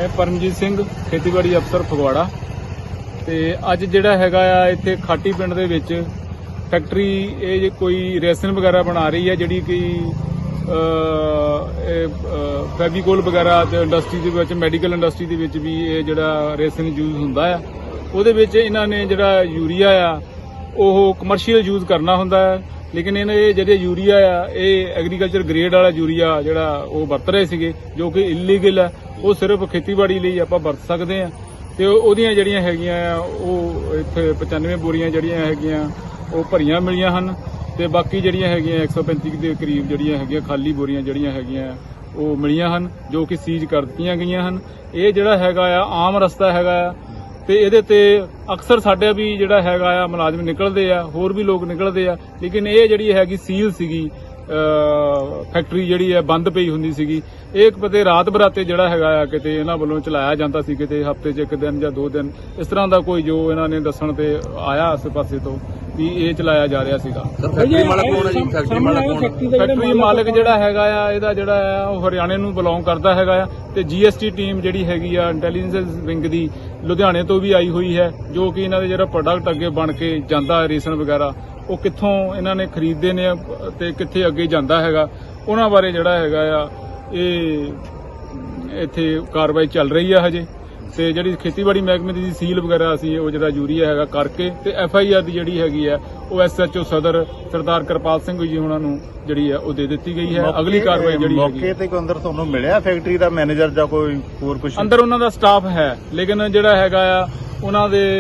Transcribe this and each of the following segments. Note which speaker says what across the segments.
Speaker 1: परमजीत सिंह खेतीबाड़ी अफसर फगवाड़ा ते अज जिहड़ा हैगा आ इत्थे खाटी पिंड दे विच फैक्ट्री ये कोई रेसन वगैरह बना रही है जिहड़ी कि फैविकोल वगैरह ते इंडस्ट्री दे विच मैडिकल इंडस्ट्री दे विच भी ये जिहड़ा रेसन यूज हुंदा है ਉਹਦੇ ਵਿੱਚ ਇਹਨਾਂ ਨੇ ਜਿਹੜਾ ਯੂਰੀਆ ਆ ਉਹ ਕਮਰਸ਼ੀਅਲ ਯੂਜ਼ ਕਰਨਾ ਹੁੰਦਾ ਹੈ ਲੇਕਿਨ ਇਹਨਾਂ ਇਹ ਜਿਹੜੇ ਯੂਰੀਆ ਆ ਇਹ ਐਗਰੀਕਲਚਰ ਗ੍ਰੇਡ ਵਾਲਾ ਯੂਰੀਆ ਜਿਹੜਾ ਉਹ ਵਰਤ ਰਹੇ ਸੀਗੇ ਜੋ ਕਿ ਇਲੀਗਲ ਹੈ ਉਹ ਸਿਰਫ ਖੇਤੀਬਾੜੀ ਲਈ ਆਪਾਂ ਵਰਤ ਸਕਦੇ ਆ ਤੇ ਉਹਦੀਆਂ ਜਿਹੜੀਆਂ ਹੈਗੀਆਂ ਆ ਉਹ ਇੱਥੇ 95 ਬੋਰੀਆਂ ਜਿਹੜੀਆਂ ਹੈਗੀਆਂ ਉਹ ਭਰੀਆਂ ਮਿਲੀਆਂ ਹਨ ਤੇ ਬਾਕੀ ਜਿਹੜੀਆਂ ਹੈਗੀਆਂ 135 ਦੇ ਕਰੀਬ ਜਿਹੜੀਆਂ ਹੈਗੀਆਂ ਖਾਲੀ ਬੋਰੀਆਂ ਜਿਹੜੀਆਂ ਹੈਗੀਆਂ ਉਹ ਮਿਲੀਆਂ ਹਨ ਜੋ ਕਿ ਸੀਜ਼ ਕਰ ਦਿੱਤੀਆਂ ਗਈਆਂ ਹਨ। ਇਹ ਜਿਹੜਾ ਹੈਗਾ ਆ ਆਮ ਰਸਤਾ ਹੈਗਾ ਆ ਤੇ ਇਹਦੇ ਤੇ ਅਕਸਰ ਸਾਡੇ ਵੀ ਜਿਹੜਾ ਹੈਗਾ ਆ ਮੁਲਾਜ਼ਮ ਨਿਕਲਦੇ ਆ ਹੋਰ ਵੀ ਲੋਕ ਨਿਕਲਦੇ ਆ ਲੇਕਿਨ ਇਹ ਜਿਹੜੀ ਹੈਗੀ ਸੀਲ ਸੀਗੀ ਫੈਕਟਰੀ ਜਿਹੜੀ ਹੈ ਬੰਦ ਪਈ ਹੁੰਦੀ ਸੀਗੀ ਇਹ ਕਿਤੇ ਰਾਤ ਬਰਾਤੇ ਜਿਹੜਾ ਹੈਗਾ ਆ ਕਿਤੇ ਇਹਨਾਂ ਵੱਲੋਂ ਚਲਾਇਆ ਜਾਂਦਾ ਸੀ ਕਿਤੇ ਹਫ਼ਤੇ 'ਚ ਇੱਕ ਦਿਨ ਜਾਂ 2 ਦਿਨ ਇਸ ਤਰ੍ਹਾਂ ਦਾ ਕੋਈ ਜੋ ਇਹਨਾਂ ਨੇ ਦੱਸਣ ਤੇ ਆਇਆ ਆਸੇ ਪਾਸੇ ਤੋਂ ਵੀ ਇਹ ਚਲਾਇਆ ਜਾ ਰਿਹਾ ਸੀਗਾ।
Speaker 2: ਫੈਕਟਰੀ ਮਾਲਕ ਕੌਣ ਹੈ ਜੀ?
Speaker 1: ਫੈਕਟਰੀ ਮਾਲਕ ਜਿਹੜਾ ਹੈਗਾ ਆ ਇਹਦਾ ਜਿਹੜਾ ਆ ਉਹ ਹਰਿਆਣੇ ਨੂੰ ਬਿਲੋਂਗ ਕਰਦਾ ਹੈਗਾ ਆ ਤੇ GST ਟੀਮ ਜਿਹੜੀ ਹੈਗੀ ਆ ਇੰਟੈਲੀਜੈਂਸ ਵਿੰਗ ਦੀ ਲੁਧਿਆਣੇ ਤੋਂ ਵੀ ਆਈ ਹੋਈ ਹੈ ਜੋ ਕਿ ਇਹਨਾਂ ਦੇ ਜਿਹੜਾ ਪ੍ਰੋਡਕਟ ਅੱਗੇ ਬਣ ਕੇ ਜਾਂਦਾ ਰੇਸ਼ਨ ਵਗੈਰਾ ਉਹ ਕਿੱਥੋਂ ਇਹਨਾਂ ਨੇ ਖਰੀਦਦੇ ਨੇ ਤੇ ਕਿੱਥੇ ਅੱਗੇ ਜਾਂਦਾ ਹੈਗਾ ਉਹਨਾਂ ਬਾਰੇ ਜਿਹੜਾ ਹੈਗਾ ਆ ਇਹ ਇੱਥੇ ਕਾਰਵਾਈ ਚੱਲ ਰਹੀ ਆ ਹਜੇ ਤੇ ਜਿਹੜੀ ਖੇਤੀਬਾੜੀ ਮਹਿਕਮੇ ਦੀ ਸੀਲ ਵਗੈਰਾ ਅਸੀਂ ਉਹ ਜਿਹੜਾ ਯੂਰੀਆ ਹੈਗਾ ਕਰਕੇ ਤੇ FIR ਦੀ ਜਿਹੜੀ ਹੈਗੀ ਆ ਉਹ SHO ਸਦਰ ਸਰਦਾਰ ਕਿਰਪਾਲ ਸਿੰਘ ਜੀ ਉਹਨਾਂ ਨੂੰ ਜਿਹੜੀ ਆ ਉਹ ਦੇ ਦਿੱਤੀ ਗਈ ਹੈ। ਅਗਲੀ ਕਾਰਵਾਈ ਜਿਹੜੀ ਹੈਗੀ
Speaker 3: ਮੌਕੇ ਤੇ ਕੋਈ ਅੰਦਰ ਤੁਹਾਨੂੰ ਮਿਲਿਆ ਫੈਕਟਰੀ ਦਾ ਮੈਨੇਜਰ ਜਾਂ ਕੋਈ ਹੋਰ ਕੁਝ?
Speaker 1: ਅੰਦਰ ਉਹਨਾਂ ਦਾ ਸਟਾਫ ਹੈ ਲੇਕਿਨ ਜਿਹੜਾ ਹੈਗਾ ਆ ਉਹਨਾਂ ਦੇ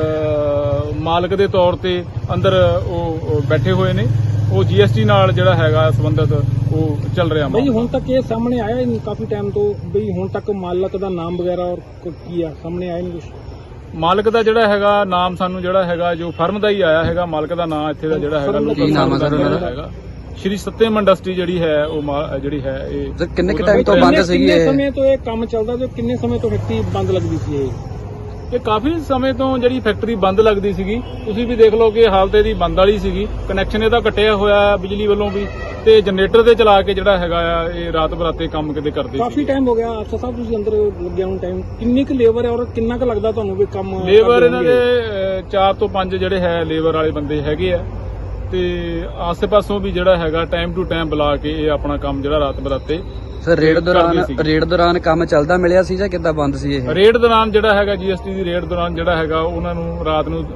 Speaker 1: ਮਾਲਕ ਦੇ ਤੌਰ ਤੇ ਅੰਦਰ ਉਹ ਬੈਠੇ ਹੋਏ ਨੇ ਉਹ GST ਨਾਲ ਜਿਹੜਾ ਹੈਗਾ ਸੰਬੰਧਿਤ ਉਹ ਚੱਲ ਰਿਹਾ।
Speaker 2: ਬਈ ਹੁਣ ਤੱਕ ਇਹ ਸਾਹਮਣੇ ਆਇਆ ਨਹੀਂ ਕਾਫੀ ਟਾਈਮ ਤੋਂ ਬਈ ਹੁਣ ਤੱਕ ਮਾਲਕ ਦਾ ਨਾਮ ਵਗੈਰਾ ਔਰ ਕੀ ਆ ਸਾਹਮਣੇ ਆਇਆ ਨਹੀਂ ਕੁਝ?
Speaker 1: ਮਾਲਕ ਦਾ ਜਿਹੜਾ ਹੈਗਾ ਨਾਮ ਸਾਨੂੰ ਜਿਹੜਾ ਹੈਗਾ ਜੋ ਫਰਮ ਦਾ ਹੀ ਆਇਆ ਹੈਗਾ ਮਾਲਕ ਦਾ ਨਾਮ ਇੱਥੇ ਦਾ ਜਿਹੜਾ ਹੈਗਾ
Speaker 2: ਕੀ ਨਾਮ ਹੈ ਸਰ ਉਹਨਾਂ ਦਾ?
Speaker 1: ਹੈਗਾ ਸ਼੍ਰੀ ਸੱਤਿਆਮ ਇੰਡਸਟਰੀ ਜਿਹੜੀ ਹੈ ਉਹ ਜਿਹੜੀ ਹੈ ਇਹ
Speaker 2: ਕਿੰਨੇ ਟਾਈਮ ਤੋਂ ਬੰਦ ਸੀਗੀ? ਕਿੰਨੇ ਸਮੇਂ ਤੋਂ ਇਹ ਕੰਮ ਚੱਲਦਾ ਜੋ ਕਿੰਨੇ ਸਮੇਂ ਤੋਂ ਫੈਕਟਰੀ ਬੰਦ ਲੱਗਦੀ ਸੀ
Speaker 1: ਇਹ ਕਾਫੀ ਸਮੇਂ ਤੋਂ ਜਿਹੜੀ ਫੈਕਟਰੀ ਬੰਦ ਲੱਗਦੀ ਸੀਗੀ ਤੁਸੀਂ ਵੀ ਦੇਖ ਲਓ ਕਿ ਹਾਲਤ ਇਹਦੀ ਬੰਦ ਵਾਲੀ ਸੀਗੀ ਕਨੈਕਸ਼ਨ ਇਹਦਾ ਕੱਟਿਆ ਹੋਇਆ ਬਿਜਲੀ ਵੱਲੋਂ ਵੀ ਤੇ ਜਨਰੇਟਰ ਤੇ ਚਲਾ ਕੇ ਜਿਹੜਾ ਹੈਗਾ ਆ ਇਹ ਰਾਤ ਬਰਾਤੇ ਕੰਮ ਕਿਤੇ ਕਰਦੇ
Speaker 2: ਕਾਫੀ ਟਾਈਮ ਹੋ ਗਿਆ ਅਫਸਰ ਸਾਹਿਬ ਤੁਸੀਂ ਅੰਦਰ ਲੱਗਿਆ ਹੁਣ ਟਾਈਮ ਕਿੰਨੀ ਕੁ ਲੇਬਰ ਹੈ ਔਰ ਕਿੰਨਾ ਕੁ ਲੱਗਦਾ ਤੁਹਾਨੂੰ ਵੀ ਕੰਮ?
Speaker 1: ਲੇਬਰ ਇਹਨਾਂ ਦੇ 4 ਤੋਂ 5 ਜਿਹੜੇ ਹੈ ਲੇਬਰ ਵਾਲੇ ਬੰਦੇ ਹੈਗੇ ਆ ਤੇ ਆਸੇ ਪਾਸੋਂ ਵੀ ਜਿਹੜਾ ਹੈਗਾ ਟਾਈਮ ਟੂ ਟਾਈਮ ਬੁਲਾ ਕੇ ਇਹ ਆਪਣਾ ਕੰਮ ਜਿਹੜਾ ਰਾਤ ਬਰਾਤੇ
Speaker 2: ਸਰ ਰੇਡ ਦੌਰਾਨ ਕੰਮ ਚੱਲਦਾ ਮਿਲਿਆ ਸੀ ਜਾਂ ਕਿੱਦਾਂ ਬੰਦ ਸੀ ਇਹ?
Speaker 1: ਰੇਡ ਦੌਰਾਨ ਜਿਹੜਾ ਹੈਗਾ GST ਦੀ ਰੇਡ ਦੌਰਾਨ ਜਿਹੜਾ ਹੈਗਾ ਉਹਨਾਂ ਨੂੰ ਰਾਤ ਨੂੰ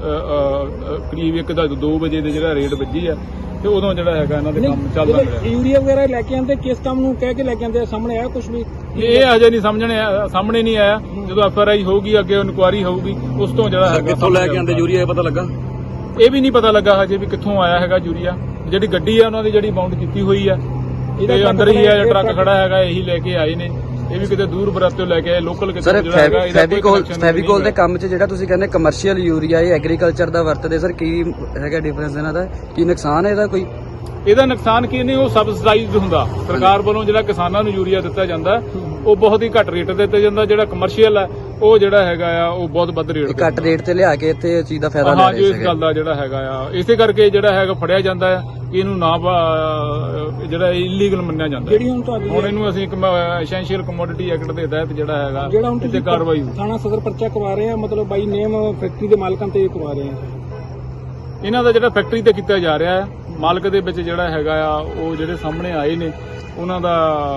Speaker 1: ਕਰੀਬ 1 ਜਾਂ 2 ਵਜੇ ਦੇ ਜਿਹੜਾ ਰੇਡ ਵੱਜੀ ਆ ਤੇ ਉਦੋਂ ਜਿਹੜਾ ਹੈਗਾ ਇਹਨਾਂ ਦੇ ਕੰਮ ਚੱਲਦਾ ਰਿਹਾ।
Speaker 2: ਯੂਰੀਆ ਵਗੈਰਾ ਲੈ ਕੇ ਆਂਦੇ ਕਿਸ ਕੰਮ ਨੂੰ ਕਹਿ ਕੇ ਲੈ ਕੇ ਆਂਦੇ ਸਾਹਮਣੇ ਆਇਆ ਕੁਝ ਵੀ?
Speaker 1: ਇਹ ਅਜੇ ਨਹੀਂ ਸਾਹਮਣੇ ਨਹੀਂ ਆਇਆ ਜਦੋਂ FRI ਹੋਊਗੀ ਅੱਗੇ ਇਨਕੁਆਇਰੀ ਹੋਊਗੀ ਉਸ ਤੋਂ ਜਿਹੜਾ ਹੈਗਾ
Speaker 2: ਕਿੱਥੋਂ ਲੈ ਕੇ ਆਂਦੇ ਯੂਰੀਆ ਪਤਾ ਲੱਗਾ?
Speaker 1: ਇਹ ਵੀ ਨਹੀਂ ਪਤਾ ਲੱਗਾ ਹਜੇ ਵੀ ਕਿੱਥੋਂ ਆਇਆ ਹੈਗਾ ਯੂਰੀਆ। ਜਿਹੜੀ ਗੱਡੀ ਆ ਉਹਨਾਂ ਦੀ ਜਿਹੜੀ ਬਾਉਂਡ ਕੀਤੀ ਹੋਈ ਆ ਇਹਦੇ ਅੰਦਰ ਹੀ ਹੈ ਟਰੱਕ ਖੜਾ ਹੈਗਾ ਇਹੀ ਲੈ ਕੇ ਆਏ ਨੇ ਇਹ ਵੀ ਕਿਤੇ ਦੂਰ ਬਰਾਤੋਂ ਲੈ ਕੇ ਆਏ ਲੋਕਲ ਕਿਤੇ ਜਿਹੜਾ ਹੈਗਾ
Speaker 2: ਫੈਵੀਕੋਲ ਦੇ ਕੰਮ 'ਚ ਜਿਹੜਾ ਤੁਸੀਂ ਕਹਿੰਦੇ ਕਮਰਸ਼ੀਅਲ ਯੂਰੀਆ ਇਹ ਐਗਰੀਕਲਚਰ ਦਾ ਵਰਤਦੇ ਸਰ ਕੀ ਹੈਗਾ ਡਿਫਰੈਂਸ ਇਹਨਾਂ ਦਾ ਕੀ ਨੁਕਸਾਨ ਹੈ ਇਹਦਾ ਕੋਈ?
Speaker 1: ਇਹਦਾ ਨੁਕਸਾਨ ਕੀ ਨਹੀਂ ਉਹ ਸਬਸਿਡਾਈਜ਼ਡ ਹੁੰਦਾ ਸਰਕਾਰ ਵੱਲੋਂ ਜਿਹੜਾ ਕਿਸਾਨਾਂ ਨੂੰ ਯੂਰੀਆ ਦਿੱਤਾ ਜਾਂਦਾ ਉਹ ਬਹੁਤ ਹੀ ਘੱਟ ਰੇਟ ਤੇ ਦਿੱਤਾ ਜਾਂਦਾ ਜਿਹੜਾ ਕਮਰਸ਼ੀਅਲ ਹੈ ਉਹ ਜਿਹੜਾ ਹੈਗਾ ਆ ਉਹ ਬਹੁਤ ਵੱਧ ਰੇਟ
Speaker 2: ਘੱਟ ਰੇਟ ਤੇ ਲਿਆ ਕੇ ਇੱਥੇ ਇਸ ਚੀਜ਼ ਦਾ ਫਾਇਦਾ ਲੈ ਰਹੇ
Speaker 1: ਸੀ। ਇਸ ਗੱਲ ਦਾ ਜਿਹੜਾ ਹੈਗਾ ਆ ਇਸੇ ਕਰਕੇ ਜਿਹੜਾ ਹੈਗਾ ਫੜਿਆ ਜਾਂਦਾ ਹੈ ਕਿ ਇਹਨੂੰ ਨਾ ਜਿਹੜਾ ਇਲੀਗਲ ਮੰਨਿਆ ਜਾਂਦਾ ਹੁਣ ਇਹਨੂੰ ਅਸੀਂ ਐਸੈਂਸ਼ੀਅਲ ਕਮੋਡਿਟੀ ਐਕਟ ਦੇ ਤਹਿਤ ਜਿਹੜਾ ਹੈਗਾ ਇੱਥੇ ਕਾਰਵਾਈ
Speaker 2: ਥਾਣਾ ਸਦਰ ਪਰਚਾ ਕਰਵਾ ਰਹੇ ਆ ਮਤਲਬ ਬਾਈ ਨੇਮ ਫੈਕਟਰੀ ਦੇ ਮਾਲਕਾਂ ਤੇ ਕਰਵਾ ਰਹੇ ਆ
Speaker 1: ਇਹਨਾਂ ਦਾ ਜਿਹੜਾ ਫੈਕਟਰੀ ਤੇ ਕੀਤਾ ਜਾ ਰਿਹਾ ਹੈ ਮਾਲਕ ਦੇ ਵਿੱਚ ਜਿਹੜਾ ਹੈਗਾ ਆ ਉਹ ਜਿਹੜੇ ਸਾਹਮਣੇ ਆਏ ਨੇ ਉਹਨਾਂ ਦਾ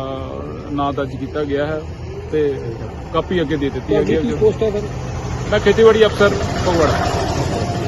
Speaker 1: ਨਾਂ ਦਰਜ ਕੀਤਾ ਗਿਆ ਹੈ ਤੇ ਕਾਪੀ ਅੱਗੇ ਦੇ ਦਿੱਤੀ ਹੈ।
Speaker 2: ਪੋਸਟ ਹੈ ਸਰ
Speaker 1: ਮੈਂ ਖੇਤੀਬਾੜੀ ਅਫਸਰ ਫਗਵਾੜਾ।